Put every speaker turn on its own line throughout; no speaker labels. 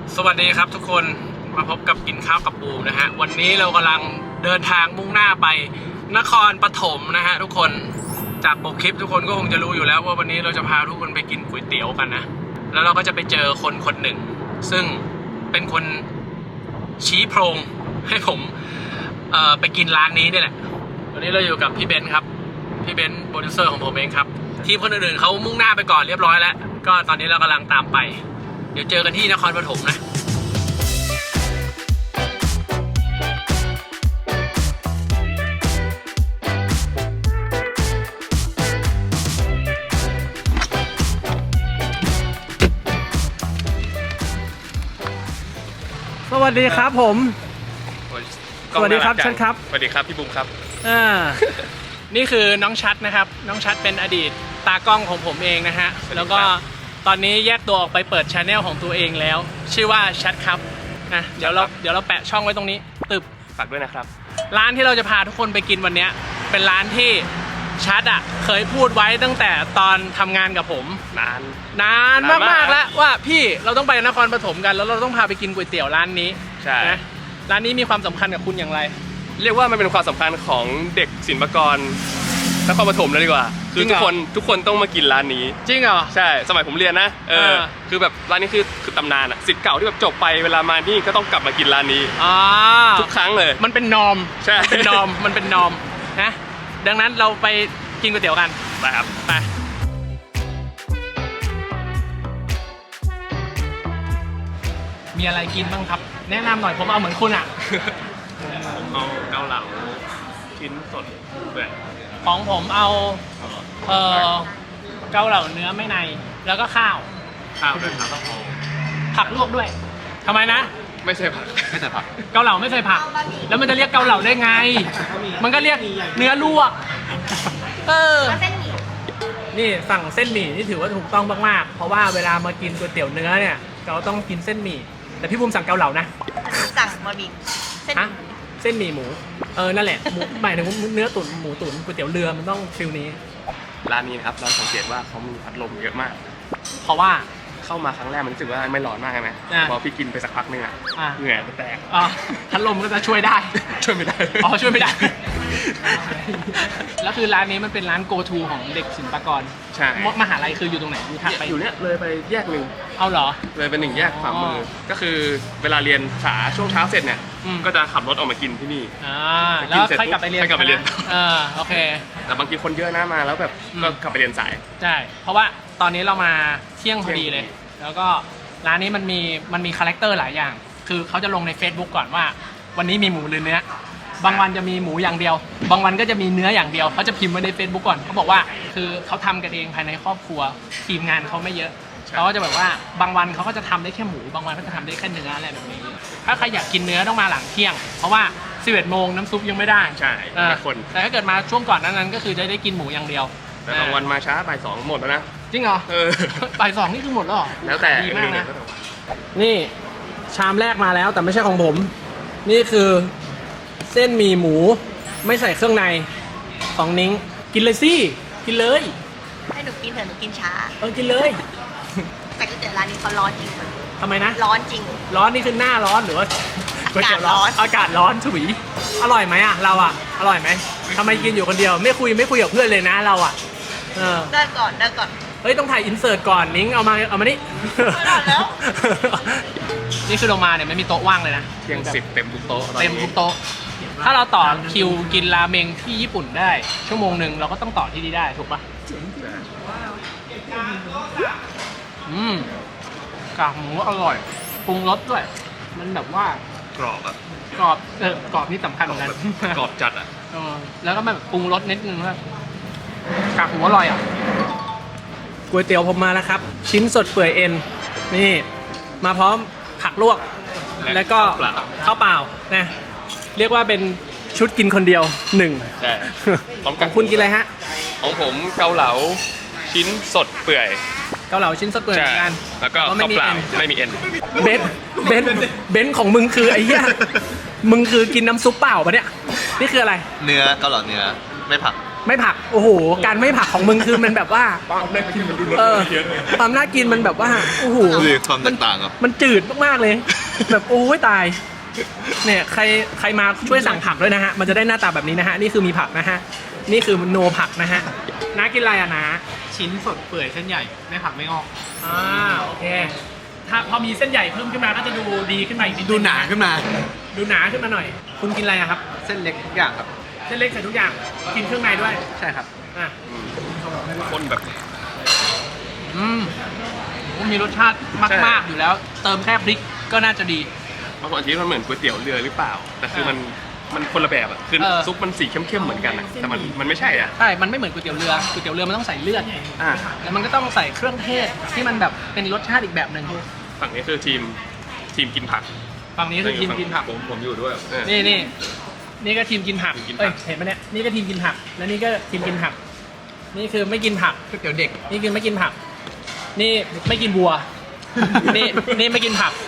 สวัสดีครับทุกคนมาพบกับกินข้าวกับบูมนะฮะวันนี้เรากำลังเดินทางมุ่งหน้าไปนครปฐมนะฮะทุกคนจากปกคลิปทุกคนก็คงจะรู้อยู่แล้วว่าวันนี้เราจะพาทุกคนไปกินก๋วยเตี๋ยวกันนะแล้วเราก็จะไปเจอคนคนหนึ่งซึ่งเป็นคนชี้โพรงให้ผมไปกินร้านนี้นี่แหละวันนี้เราอยู่กับพี่เบนซ์ครับพี่เบนซ์โปรดิวเซอร์ของผมเองครับทีมคนอื่นๆเขามุ่งหน้าไปก่อนเรียบร้อยแล้วก็ตอนนี้เรากำลังตามไปเดี๋ยวเจอกันที่นครปฐมนะสวัสดีครับผมสวัสดีครับชัดครับ
สวัสดีครับพี่บุ้มครับ
นี่คือน้องชัดนะครับน้องชัดเป็นอดีตตากล้องของผมเองนะฮะแล้วก็ตอนนี้แยกตัวออกไปเปิดชาแนลของตัวเองแล้วชื่อว่าชัดครับนะเดี๋ยวเราแปะช่องไว้ตรงนี้ตึบ
ฝากด้วยนะครับ
ร้านที่เราจะพาทุกคนไปกินวันนี้เป็นร้านที่ชัดเคยพูดไว้ตั้งแต่ตอนทำงานกับผมนานมากๆแล้วว่าพี่เราต้องไปนครปฐมกันแล้วเราต้องพาไปกินก๋วยเตี๋ยวร้านนี้
ใช่
นะร้านนี้มีความสำคัญกับคุณอย่างไร
เรียกว่ามันเป็นความสำคัญของเด็กศิลปากรนครปฐมเลยดีกว่าคือทุกคนต้องมากินร้านนี้
จริงเหรอ
ใช่สมัยผมเรียนนะคือแบบร้านนี้คือตำนานศิษย์เก่าที่แบบจบไปเวลามานี่ก็ต้องกลับมากินร้านนี้ทุกครั้งเลย
มันเป็นนอม
ใช่
เป็นนอมมันเป็นนอมนะดังนั้นเราไปกินก๋วยเตี๋ยวกัน
ไปครับ
ไปมีอะไรกินบ้างครับแนะนำหน่อยผมเอาเหมือนคุณ
ผมเอาเกาเหลาชิ้นสดด้วย
ของผมเอาเกาเหลาเนื้อไม่ในแล้วก็ข้าว
ด้วยครับต้องเอา
ผักลวกด้วยทำไมนะ
ไม่ใช่ผัก
เกาเหลาไม่ใส่ผักแล้วมันจะเรียกเกาเหลาได้ไงมันก็เรียกเนื้อลวกนี่สั่งเส้นหมี่นี่ถือว่าถูกต้องมากๆเพราะว่าเวลามากินก๋วยเตี๋ยวเนื้อเนี่ยเราต้องกินเส้นหมี่แต่พี่บุ้มสั่งเกาเหลานะ
สั่งบะหมี่
เส้นหมี่หมูนั่นแหละหมายถึงเนื้อตุ๋นหมูตุ๋นก๋วยเตี๋ยวเรือมันต้องฟิลนี้
ร้านนี้นะครับเราสังเกตว่าเขามีพัดลมเยอะมาก
เพราะว่า
เข้ามาครั้งแรกมันรู้สึกว่าไม่ร้อนมากใช่ไหมพอพี่กินไปสักพักนึงเหงื่อจะแตก
พัดลมก็จะช่วยได้
ช่วยไม่ได้
ช่วยไม่ได้แล้วคือร้านนี้มันเป็นร้าน go to ของเด็กศิลปากร
ใช่
มหาลัยคืออยู่ตรงไหน
อยู่เนี่ยเลยไปแยกหนึ่ง
เอาเหรอ
เลยเป็น1แยกขวามือก็คือเวลาเรียนช่วงเช้าเสร็จเนี่ยก็จะขับรถออกมากินที่นี่
แล้วค่อยกลับไปเรียนโอเค
แต่บางทีคนเยอะนะมาแล้วแบบก็กลับไปเรียนสาย
ใช่เพราะว่าตอนนี้เรามาเที่ยงพอดีเลยแล้วก็ร้านนี้มันมีคาแรคเตอร์หลายอย่างคือเขาจะลงใน Facebook ก่อนว่าวันนี้มีหมูหรือเนื้อบางวันจะมีหมูอย่างเดียวบางวันก็จะมีเนื้ออย่างเดียวเขาจะพิมพ์ไว้ใน Facebook ก่อนเขาบอกว่าคือเขาทำกันเองภายในครอบครัวทีมงานเขาไม่เยอะเขาก็จะแบบว่าบางวันเขาก็จะทำได้แค่หมูบางวันเขาจะทำได้แค่เนื้ออะไรแบบนี้ถ้าใครอยากกินเนื้อต้องมาหลังเที่ยงเพราะว่า11 โมงน้ำซุปยังไม่ได้
ใช่คน
แต่ถ้าเกิดมาช่วงก่อนนั้นก็คือจะได้กินหมูอย่างเดียว
แต่บางวันมาช้าบ่าย2หมดแล้วนะ
จริงเหรอบ่าย2นี่คือหมดแล้วเหรอ
แล้วแต่
ดีมากนะนี่ชามแรกมาแล้วแต่ไม่ใช่ของผมนี่คือเส้นหมี่หมูไม่ใส่เครื่องในของนิ้งกินเลยสิกินเลย
ให้หนูกินเถอะหนูกินช้า
กินเลย
แต่ก๋วยเตี๋ยวร้านนี้เขาร้อนจริง
ทำไมนะ
ร้อนจริง
ร้อนนี่คือหน้าร้อนหรือว่า
อากาศร้อน
อากาศร้อนฉุยอร่อยไหมเราอร่อยไหมทำไมกินอยู่คนเดียวไม่คุยกับเพื่อนเลยนะเรา
ได้ก่อน
เฮ้ยต้องถ่ายอินเสิร์ตก่อนนิ้งเอามานี่
แล้ว
นี่คือลงมาเนี่ยไม่มีโต๊ะว่างเลยนะ
เที่ยง10เต็มทุกโต๊ะ
ถ้าเราต่อคิวกินราเมงที่ญี่ปุ่นได้ชั่วโมงนึงเราก็ต้องต่อที่นี่ได้ถูกปะกากหมูอร่อยปรุงรสด้วยมันแบบว่ากรอบนี่สำคัญเหมือนกัน
กรอบจัด
แล้วก็แบบปรุงรสนิดนึงว่ากากหมูอร่อยก๋วยเตี๋ยวผมมาแล้วครับชิ้นสดเปื่อยเอ็นนี่มาพร้อมผักลวกแล้วก็ข้าวเปล่านะเรียกว่าเป็นชุดกินคนเดียว1
ใช่
ของคุณกินอะไรฮะ
ของผมเกาเหลาชิ้นสดเปื่อย
เกาเหลาชิ้นสดเปื่อยเหมือนกัน
แล้วก็ข้าวเปล่าไม่มีเอ็น
เบนของมึงคือไอ้เหี้ยมึงคือกินน้ำซุปเปล่าปะเนี่ยนี่คืออะไร
เนื้อเกาเหลาเนื้อไม่ผัก
ไม่ผักโอ้โหการไม่ผักของมึงคือมันแบบว่า
ความน่ากินมันดูรส
เออ
เยอะเลย
ความน่ากินมันแบบว่าโอ้โห
นี่ความแตกต่างครับ
มันจืดมากๆเลย แบบโอ้ยตายเนี่ยใครมาช่วยสั่งผักด้วยนะฮะมันจะได้หน้าตาแบบนี้นะฮะนี่คือมีผักนะฮะนี่คือโนผักนะฮะน้ากินอะไรอะน้า
ชิ้นสดเปื่อยเส้นใหญ่ไม่ผักไม่งอก
โอเคถ้าพอมีเส้นใหญ่เพิ่มขึ้นมาก็จะดูดีขึ้นมาอีกนิด
ดูหนาขึ้นมา
ดูหนาขึ้นมาหน่อย คุณกินอะไรอะครับ
เส้นเล็กทุกอย่างครับ
เส้นเล็กใส่ทุกอย่างกินเครื่องในด้วย
ใช่ครับ
อ่ะ
คนแบบ
มีรสชาติมากๆอยู่แล้ว เติมแค่พริกก็น่าจะดี
บางคนคิดว่ามันเหมือนก๋วยเตี๋ยวเรือหรือเปล่า แต่คือมันคนละแบบอ่ะคือ
เออ
ซุปมันสีเข้มๆเหมือนกันอะแต่มันไม่ใช่อ่ะ
ใช่ มันไม่เหมือนก๋วยเตี๋ยวเรือก๋วยเตี๋ยวเรือมันต้องใส่เลือด
อ่า
แล้วมันก็ต้องใส่เครื่องเทศที่มันแบบเป็นรสชาติอีกแบบหนึ่ง
ฝั่งนี้คือทีมกินผัก
ฝั่งนี้คือทีมกินผัก
ผมอยู่ด้วย
นี่ก็ทีมกินผัก
ทีมกินผัก
เห็นไหมเนี่ยนี่ก็ทีมกินผักและนี่ก็ทีมกินผัก นี่คือไม่กินผัก
ก๋วยเตี๋ยวเด็ก
นี่คือไม่กินผัก นี่ไม่กินวัว นี่ไม่กินผัก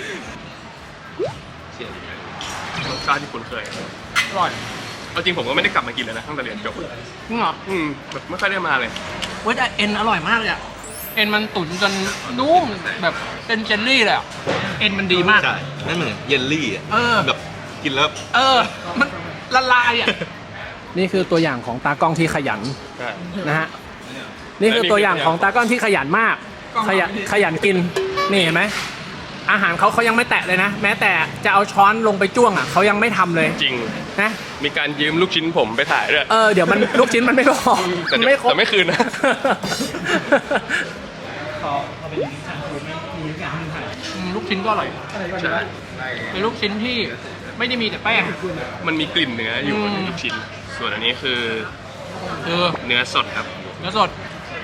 รสชาติที่คุณเคย
อร่อย
เอาจริงผมก็ไม่ได้กลับมากินเลยนะตั้งแต่เรียนจบ
จริงเหรอ
แบบไม่ค่อยได้มาเลย
เว้ยแต่เอ็นอร่อยมากเลยอะเอ็นมันตุ๋นจนนุ่มแบบเป็นเจลลี่เลยอะเอ็นมันดีมาก
ใช่นั่นเหมือนเยลลี่อ่ะ
เออ
แบบกินแล้ว
มันละลายอะ
นี่คือตัวอย่างของตากล้องที่ขยัน
ใช่
นะฮะ นี่คือตัวอย่างของตากล้องที่ขยันมาก ขยันกิน นี่เห็นไหม อาหารเขายังไม่แตะเลยนะ แม้แต่จะเอาช้อนลงไปจ้วงอ่ะเขายังไม่ทำเลย
จริง
นะ
มีการยืมลูกชิ้นผมไปถ่ายด้วย
เดี๋ยวมันลูกชิ้นมันไม่พอ
แต่
มัน
เดี๋ยว
ไม่ครบ
แต่ไม่คืนนะ
ลูกชิ้นก็อร่อยเป็นลูกชิ้นที่ไม่ได้มีแต่แป้ง
มันมีกลิ่นเนื้ออยู่ในลูกชิ้น ส่วนอันนี้คือเนื้อสดครับ
เนื้อสด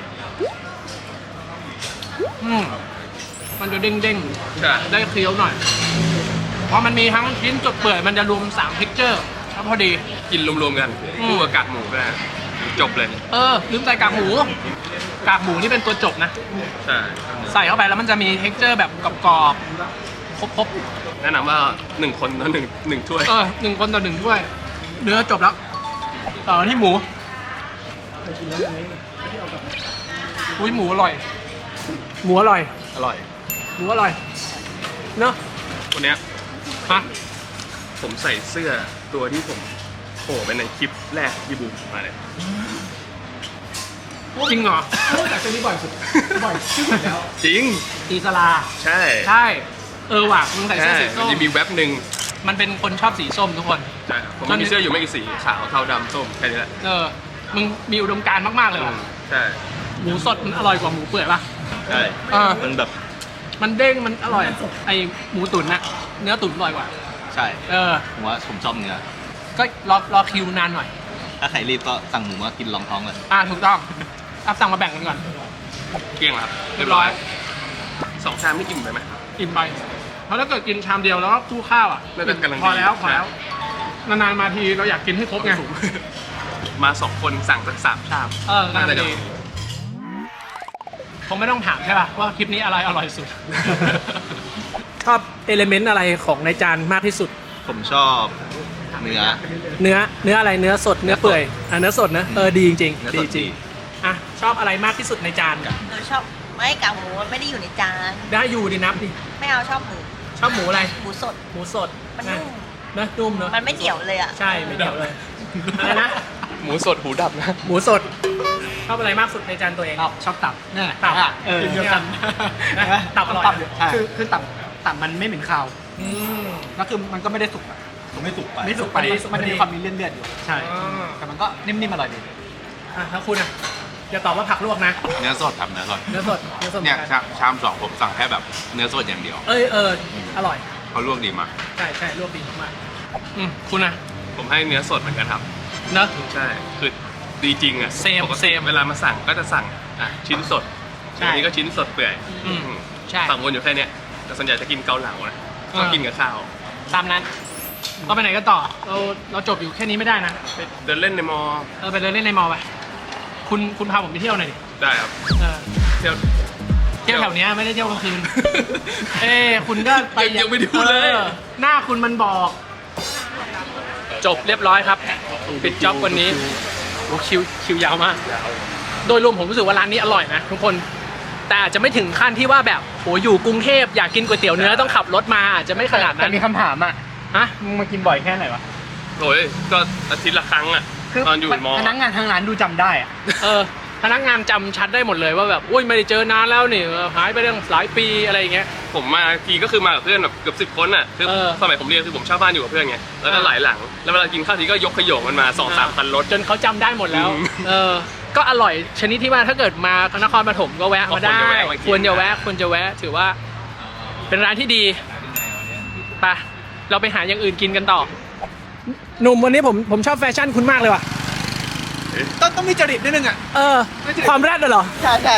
มันจะเด้ง
ใช่
ๆได้เคี้ยวหน่อยเพราะมันมีทั้งชิ้นสดเปื่อยมันจะรวม3 texture แล้วพอดี
กินรวมๆกันคู่กับกากหมูก็ได้จบเลย
ลืมใส่กากหมู กากหมูนี่เป็นตัวจบนะ
ใช่
ใส่เข้าไปแล้วมันจะมี texture แบบกรอบๆครบ
แนะนำว่า1 คนต่อหนึ่งถ้วย
1 คนต่อ1ถ้วย เนื้อจบแล้วต่อที่หมูอุ้ยหมูอร่อย
หมูอร่อย
อร่อย
หมูอร่อย เนอะ
วันเนี้ย
ฮะ
ผมใส่เสื้อตัวที่ผมโผล่ไปในคลิปแรกที่บูมมาเลย
จริงเหรอ
แต่ตัวนี้บ่อยสุด บ่อยที่สุดแล้ว
จริง
ตีสลา
ใช่
ใช่ ว่ะมึงใส่เสื้
ใช่
อสี
มั
ส้
น
ม
จะมีแว็บหนึ่ง
มันเป็นคนชอบสีส้มทุกคน
ใช่ผมมีเสื้ออยู่ไม่กี่สีขาวเทาดำส้มแค่นี้แหละ
มึงมีอุดมการณ์มากๆเลยว่ะ
ใช่
หมูสดมันอร่อยกว่าหมูเปื่อยป่ะ
ใช่ มันแบบ
มันเด้งมันอร่อย ไอหมูตุ๋นน่ะ เนื้อตุ๋นอร่อยกว่า
ใช่ ผมว่าผมชอบเนื้อ
ก็รอคิวนานหน่อย
ถ้าใครรีบก็สั่งหมูมากินรองท้องเลย
ถูกต้องเอาสั่งมาแบ่งกันก่อน
เกลี้ยงแล้วครับ
เรียบร้อย
2 ชามนี่อิ่มไปไหม
อิ่มไป เพราะถ้าเกิดกินชามเดียวแล้วก็คู่ข้าวอ่ะ
น่าจะกำลังดี
พอแล้วนานๆมาทีเราอยากกินให้ครบไง
มา 2 คนสั่งสัก3 ชาม
น่าจะ
น่าจะ
ดีคงไม่ต้องถามใช่ป่ะว่าคลิปนี้อะไรอร่อยสุด
ชอบเอลิเมนต์อะไรของในจานมากที่สุด
ผมชอบเนื้อ
เนื้ออะไร เนื้อสด เนื้อเปื่อย เนื้อสดนะ ดีจริง
เนื้อ
ๆ
ส
ดี
ด
จริ
ดี
งอ่ะชอบอะไรมากที่สุดในจาน
หนูชอบไม่กากหมูมันไม่ได้อยู่ในจาน
ได้อยู่ดินับดิ
ไม่เอาชอบหมู
ชอบหมูอะไร
หมูสด
หมูสด
มันนุ่ม
นะนุ่มเนอะ
มันไม่เหนียวเลยอ่ะ
ใช่ไม่เดี่ยวเลยอะไรนะ
หมูสดหูดับนะ
หมูสด ชอบอะไรมากสุดในจานตัวเอง
ชอบตับนี่
ตับ
กินเดียวกัน
นะตับอร่อย
คือตับมันไม่เหม็นคาว
อืม
แล้วคือมันก็ไม่ได้สุกอะ
ไม่สุกไป
ไม่สุกไปมันจะมีความมีเลือดๆอยู่ ใช่ แต่มันก็นิ่มๆอร่อยดี
แล้วคุณอ่ะอย่าตอบว่าผักลวกนะ
เนื้อสดครับเนื้อสด
เนื้อสดเนื้อสด
เนี่ยชาม2ผมสั่งแค่แบบเนื้อสดอย่างเดียว
อร่อย
เขาลวกดีมาก
ใช่ลวกดีมาก
คุณอะ
ผมให้เนื้อสดเหมือนกันครับ
เนอะ
ใช่ คือดีจริงอ่ะ
เซม
ปกติ
เซม
เวลามาสั่งก็จะสั่งชิ้นสด
ใช่
อันนี้ก็ชิ้นสดเปื่อย
อืมใช่
สั่งวนอยู่แค่เนี้ยแต่ส่วนใหญ่จะกินเกาเหลานะชอบกินกับข้าว
ตามนั้นเราไปไหนกันต่อ เราจบอยู่แค่นี้ไม่ได้นะ
ไปเดินเล่นในมอ
ไปเดินเล่นในมอลล์ไป คุณพาผมไปเที่ยวหน่อยดิ
ได้ครับ เที่ยว
เที่ยวแถวเนี้ยไม่ได้เที่ยวกลางคืน คุณก็ไป
ยังไม่ได้พูดเลย
หน้าคุณมันบอก จบเรียบร้อยครับ ปิดจ็อบวันนี้อ้คิวยาวมาก โดยรวมผมรู้สึกว่าร้านนี้อร่อยนะทุกคนแต่อาจจะไม่ถึงขั้นที่ว่าแบบโหอยู่กรุงเทพอยากกินก๋วยเตี๋ยวเนื้อต้องขับรถมาอาจจะไม่ขนาดนั้น
แต่มีคำถามอ่ะ
ฮะ
มึงมากินบ่อยแค่ไหนวะ
โอ้ยก็อาทิตย์ละครั้งอะตอนอยู่มอ
พนักงานทางร้านดูจำได้อ่ะ
พนักงานจำชัดได้หมดเลยว่าแบบอุ้ยไม่ได้เจอนานแล้วนี่หายไปตั้งหลายปีอะไรอย่างเงี้ย
ผมมาทีก็คือมากับเพื่อนแบบเกือบ10 คนอะคือสมัยผมเรียนคือผมเช่าบ้านอยู่กับเพื่อนไงแล้วก็หลายหลังแล้วเวลากินข้าวทีก็ยกขยงมันมา 2-3 คันรถ
จนเขาจำได้หมดแล้ว ก็อร่อยชนิดที่ว่าถ้าเกิดมานครปฐมก็แวะมาได้ควรจะแวะถือว่าเป็นร้านที่ดีไปเราไปหาอย่างอื่นกินกันต่อหนุ่มวันนี้ผมชอบแฟชั่นคุณมากเลยว่ะต้องมีจริตนิดนึงอ่ะความแรดเหรอ
ใช่ใช่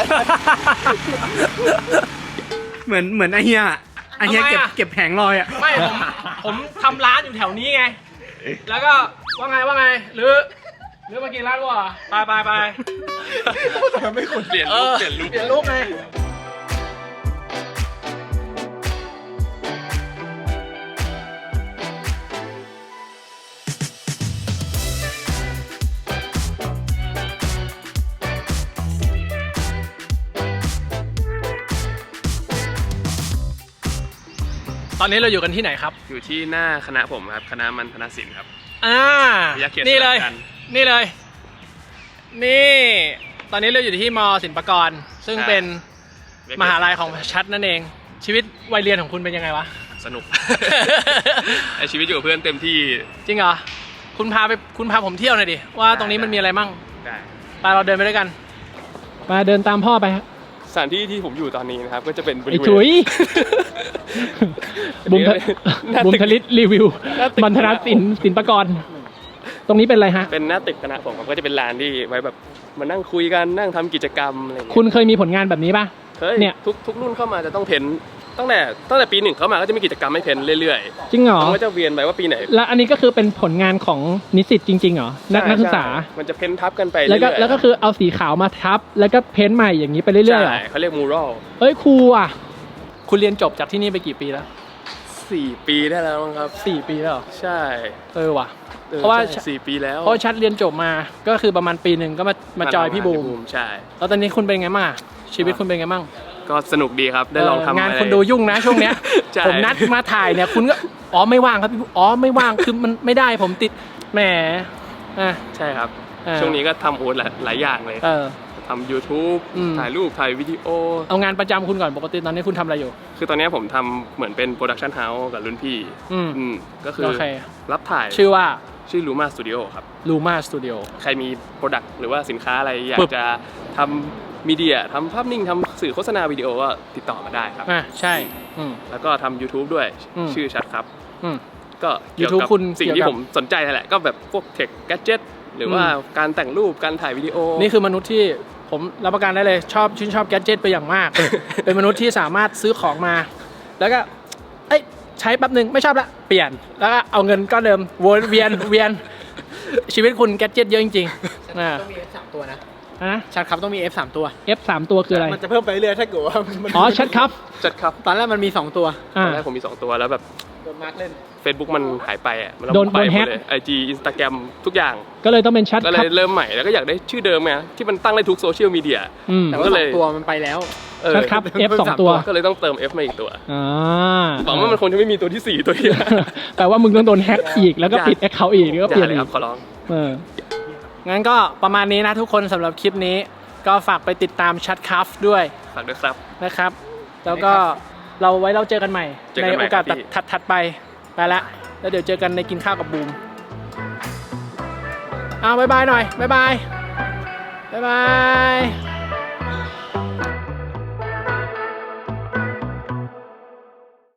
เหมือนไอเฮียเก็บแผงลอยอ่ะ
ไม่ผมทำร้านอยู่แถวนี้ไง แล้วก็ว่าไงหรือมากินร้านกูอ่ะไป
ไม่ควรเปลี่ยนลุก
ไงตอนนี้เราอยู่กันที่ไหนครับ
อยู่ที่หน้าคณะผมครับคณะมัณฑนศิลป์ครับ
นี่เลยนี่ตอนนี้เราอยู่ที่ม.ศิลปากรซึ่งเป็นมหาลัยของชัดนั่นเองชีวิตวัยเรียนของคุณเป็นยังไงวะ
สนุก ไอชีวิตอยู่กับเพื่อนเต็มที่
จริงเหรอคุณพาผมเที่ยวหน่อยดิว่าตรงนี้มันมีอะไรมั่ง
ได้
ไปเราเดินไปด้วยกันมาเดินตามพ่อไป
สถานที่ที่ผมอยู่ตอนนี้นะครับก็จะเป็นบริเวณ
บุมทลิตรีวิวมัณฑนศิลปากรตรงนี้เป็นอะไรฮะ
เป็นหน้าตึกคณะผมครับก็จะเป็นลานที่ไว้แบบมานั่งคุยกันนั่งทำกิจกรรมอะไรอย่างเงี้ย
คุณเคยมีผลงานแบบนี้ป่ะ
เนี่ยทุกรุ่นเข้ามาจะต้องเพ้นตั้งแต่ปี 1เข้ามาก็จะมีกิจกรรมให้เพ้นเรื่อย
ๆจริงเหรอ
มันก็จะเวียนไปว่าปีไหน
แล้วอันนี้ก็คือเป็นผลงานของนิสิตจริงๆเหรอนักศึกษา
มันจะเพ้นทับกันไป
แล้วก็คือเอาสีขาวมาทับแล้วก็เพ้นใหม่อย่างนี้ไปเรื่อยๆ
ใช่เขาเรียกมูรัล
ครูอ่ะคุณเรียนจบจากที่นี่ไปกี่ปีแล้ว
4 ปีได้แล้วครับ
4 ปีแล้ว
ใช่
ว่ะเพราะว่า
4 ปีแล้ว
เพราะชัดเรียนจบมาก็คือประมาณปี 1ก็มาจอยพี่บูม
ใช่
แล้วตอนนี้คุณเป็นไงบ้างชีวิตคุณเป็นไงบ้าง
ก็สนุกดีครับได้ลองทำ
งานคนดูยุ่งนะช่วงเนี้ยผมนัดมาถ่ายเนี่ยคุณก็ไม่ว่างครับพี่ไม่ว่างคือมันไม่ได้ผมติดแหม
ใช่ครับช่วงนี้ก็ทำหลายอย่างเลยทำ YouTube ถ่ายรูปถ่ายวิดีโอ
เอางานประจำคุณก่อนปกติตอนนี้คุณทำอะไรอยู่
คือตอนนี้ผมทำเหมือนเป็นโปรดักชันเฮาส์กับรุ่นพี่ก็คือรับถ่าย
ชื่อ
ลูมาสตูดิโอครับ
ลูมาสตูดิโอ
ใครมีโปรดักต์หรือว่าสินค้าอะไรอยากจะทำมีเดียทำภาพนิ่งทำสื่อโฆษณาวิดีโอก็ติดต่อมาได้ครับ
ใช่
แล้วก็ทำ YouTube ด้วยชื่อชัดครับก็เกี่ยว
YouTube
กับสิ่งที่ผมสนใจแหละก็แบบพวกเทคแกดเจ็ตหรือว่าการแต่งรูปการถ่ายวิดีโอ
นี่คือมนุษย์ที่ผมรับประกันได้เลยชื่นชอบแกดเจ็ตไปอย่างมาก เป็นมนุษย์ที่สามารถซื้อของมาแล้วก็ใช้แป๊บนึงไม่ชอบละเปลี่ยนแล้วก็เอาเงินก้อนเดิมวนเวียนชีวิตคุณแกดเจ็ตเยอะจริงๆ
ต้องมี F 3 ตัวนะชัดครับต้องมี F 3 ตัว
F 3 ตัวคืออะไร
มันจะเพิ่มไปเรื่อยถ้าเกิดว่า
ชัดครับ
ตอนแรกมันมี2 ตัว
ตอนแรกผมมี2 ตัวแล้วแบบ
โดนมาร์กเล่น
Facebook มันหายไปอ่ะมัน
โดนแฮก
IG Instagram ทุกอย่าง
ก็เลยต้องเป็นชัด
ก็เลยเริ่มใหม่แล้วก็อยากได้ชื่อเดิมไงที่มันตั้งได้ทุกโซเชียลมีเดีย
แต่ว่า2 ตัวมันไปแล้ว
ชัดครับ F 2 ตัว
ก็เลยต้องเติม F มาอีกตัวหวังว่ามันคงจะไม่มีตัวที่4ตัวที่
แปลว่ามึงต้องโดนแฮกอีกแล้วก็ปิด account อีกก็เปลี่ยนอีก
ขอร้อง
งั้นก็ประมาณนี้นะทุกคนสำหรับคลิปนี้ก็ฝากไปติดตามชัดคัฟด้วย
ฝากด้วยครับ
นะครับแล้วก็เราเจอกันใหม่ในโอกาสถัดไปละแล้วเดี๋ยวเจอกันในกินข้าวกับบูมบ๊ายบายหน่อยบ๊ายบาย